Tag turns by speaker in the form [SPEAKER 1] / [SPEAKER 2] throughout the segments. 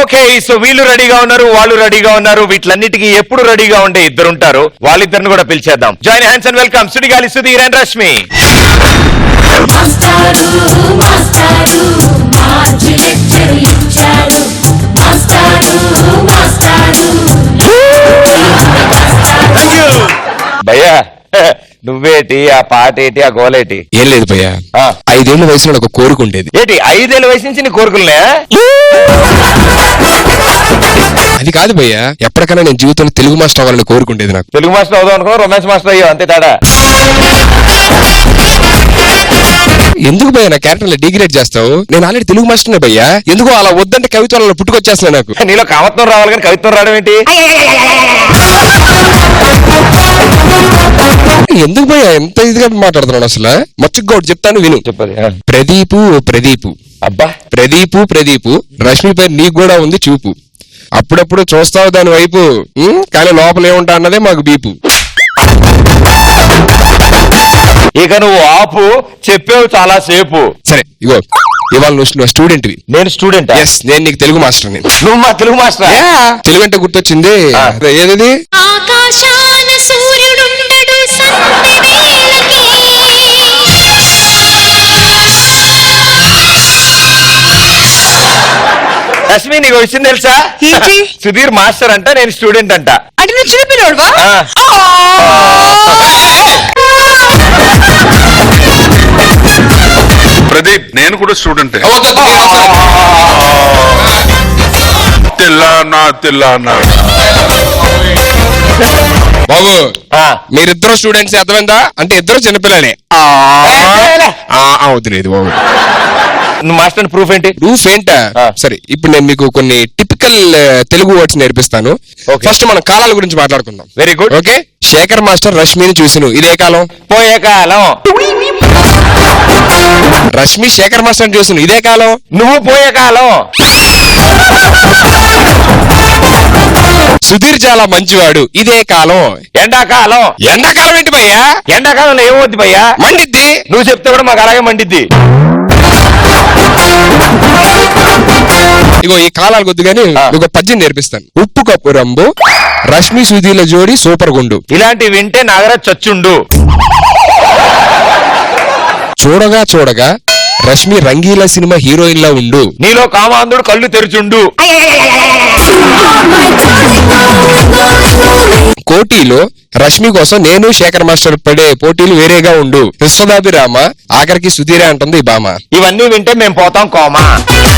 [SPEAKER 1] Okay, so వీళ్ళు రెడీగా ఉన్నారు, వాళ్ళు రెడీగా ఉన్నారు. వీటిలన్నిటికీ ఎప్పుడు రెడీగా ఉండే ఇద్దరు ఉంటారు. వాళ్ళిద్దరిని కూడా పిలిచేద్దాం. Join hands and welcome Sudigali Sudheer and Rashmi. భయ్యా నువ్వేటి, ఆ పాట ఏంటి, ఆ గోలేటి?
[SPEAKER 2] ఏం లేదు భయ్యా, 5 ఏళ్ల వయసులో ఒక కోరిక ఉండేది.
[SPEAKER 1] ఏంటి 5 ఏళ్ల వయసు నుంచి నీ కోరుకులనే?
[SPEAKER 2] అది కాదు భయ్యా, ఎప్పటికైనా నేను జీవితంలో తెలుగు మాస్టర్ అవ్వాలని కోరుకుండేది. నాకు
[SPEAKER 1] తెలుగు మాస్టర్ అవుదాం అనుకున్నా, రొమాన్స్ మాస్టర్ అయ్యో, అంతే తేడా.
[SPEAKER 2] ఎందుకు భయ్యా నా క్యారెక్టర్ డిగ్రేడ్ చేస్తావు? నేను ఆల్రెడీ తెలుగు మాస్టర్నే భయ్యా. ఎందుకో అలా వద్దంటే కవిత్వాలలో పుట్టుకొచ్చేస్తున్నా. నాకు
[SPEAKER 1] నీలో కవత్వం రావాలి కానీ కవిత్వం రావడం ఏంటి?
[SPEAKER 2] ఎందుకు భయ్యా ఎంత ఇదిగా మాట్లాడుతున్నాడు అసలు? మచ్చుకు ఒకటి చెప్తాను విను.
[SPEAKER 1] చెప్పది.
[SPEAKER 2] ప్రదీపు
[SPEAKER 1] అబ్బా,
[SPEAKER 2] ప్రదీపు రష్మి పై నీకు కూడా ఉంది చూపు. అప్పుడప్పుడు చూస్తావు దాని వైపు, కానీ లోపల ఏముంటా అన్నదే మాకు బీపు.
[SPEAKER 1] ఇక నువ్వు ఆపు, చెప్పేవు చాలా సేపు.
[SPEAKER 2] సరే ఇగో, ఇవాళ నువ్వు స్టూడెంట్ వి,
[SPEAKER 1] నేను స్టూడెంట్.
[SPEAKER 2] నేను నీకు తెలుగు మాస్టర్.
[SPEAKER 1] నువ్వు మా తెలుగు మాస్టర్?
[SPEAKER 2] తెలుగు అంటే గుర్తొచ్చింది. ఏది?
[SPEAKER 3] ఆకాశాన సూర్యుడుండడు
[SPEAKER 1] రష్మి, నీకు విషయం తెలుసా? సుధీర్ మాస్టర్ అంట, నేను స్టూడెంట్ అంట.
[SPEAKER 3] అంటే నువ్వు చూపినోడువా?
[SPEAKER 4] ప్రదీప్, నేను కూడా స్టూడెంట్. తెల్లానా
[SPEAKER 2] బాబు, మీరిద్దరు స్టూడెంట్స్ అర్థమైందా? అంటే ఇద్దరు చిన్నపిల్లనే. అవుతులేదు బాబు.
[SPEAKER 1] నువ్వు మాస్టర్ ప్రూఫ్ ఏంటి?
[SPEAKER 2] ప్రూఫ్ ఏంటా? సరే, ఇప్పుడు నేను మీకు కొన్ని టిపికల్ తెలుగు వర్డ్స్ నేర్పిస్తాను. ఫస్ట్ మనం కాలాల గురించి మాట్లాడుకుందాం.
[SPEAKER 1] Very good.
[SPEAKER 2] Okay. Shekhar master రష్మిని చూసిను, ఇదే కాలం.
[SPEAKER 1] పోయే కాలం.
[SPEAKER 2] రష్మి శేఖర్ మాస్టర్ చూసిను, ఇదే కాలం.
[SPEAKER 1] నువ్వు పోయే కాలం.
[SPEAKER 2] సుధీర్ చాలా మంచివాడు, ఇదే కాలం.
[SPEAKER 1] ఎండాకాలం.
[SPEAKER 2] ఎండాకాలం ఏంటి భయ్యా?
[SPEAKER 1] ఎండాకాలంలో ఏమవుద్ది భయ్యా?
[SPEAKER 2] మండిద్ది.
[SPEAKER 1] నువ్వు చెప్తే కూడా మాకు అలాగే మండిద్ది.
[SPEAKER 2] ఇగో ఈ కాలాలు కొద్ది గానీ ఒక పద్యం నేర్పిస్తాను. ఉప్పు కప్పు రంబు రష్మి సుధీర్ల జోడి సూపర్ గుండు.
[SPEAKER 1] ఇలాంటి వింటే నాగరాజ్ చచ్చుండు.
[SPEAKER 2] చూడగా రష్మి రంగీల సినిమా హీరోయిన్ లా ఉండు.
[SPEAKER 1] నీలో కామాంధుడు కళ్ళు తెరుచుండు.
[SPEAKER 2] కోటీలో రష్మి కోసం నేను శేఖర్ మాస్టర్ పడే పోటీలు వేరేగా ఉండు. విశ్వదాభిరామ ఆఖరికి సుధీరే అంటుంది ఈ బామ.
[SPEAKER 1] ఇవన్నీ వింటే మేము పోతాం కోమా.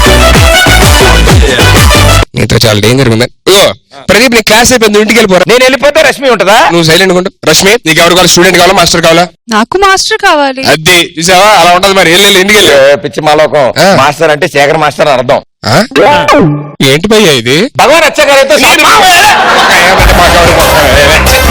[SPEAKER 2] నీతో చాలా డేంజర్ ఉందా? ఓ ప్రదీప్, నీ క్లాస్ అయిపోయింది, ఇంటికి వెళ్ళిపోరా.
[SPEAKER 1] నేను వెళ్ళిపోతే రష్మి ఉంటదా?
[SPEAKER 2] నువ్వు సైలెంట్ ఉండు. రష్మి, నీకు ఎవరు కావాలి? స్టూడెంట్ కావాలా, మాస్టర్ కావాలా?
[SPEAKER 3] నాకు మాస్టర్ కావాలి.
[SPEAKER 2] అది చూసావా, అలా ఉంటది మరి. ఇంటికి వెళ్ళి.
[SPEAKER 1] పిచ్చి మాలోకం. మాస్టర్ అంటే శేఖర్ మాస్టర్ అని అర్థం.
[SPEAKER 2] ఏంటి భయ్యా ఇది?
[SPEAKER 1] భగవాన్ అచ్చగారితో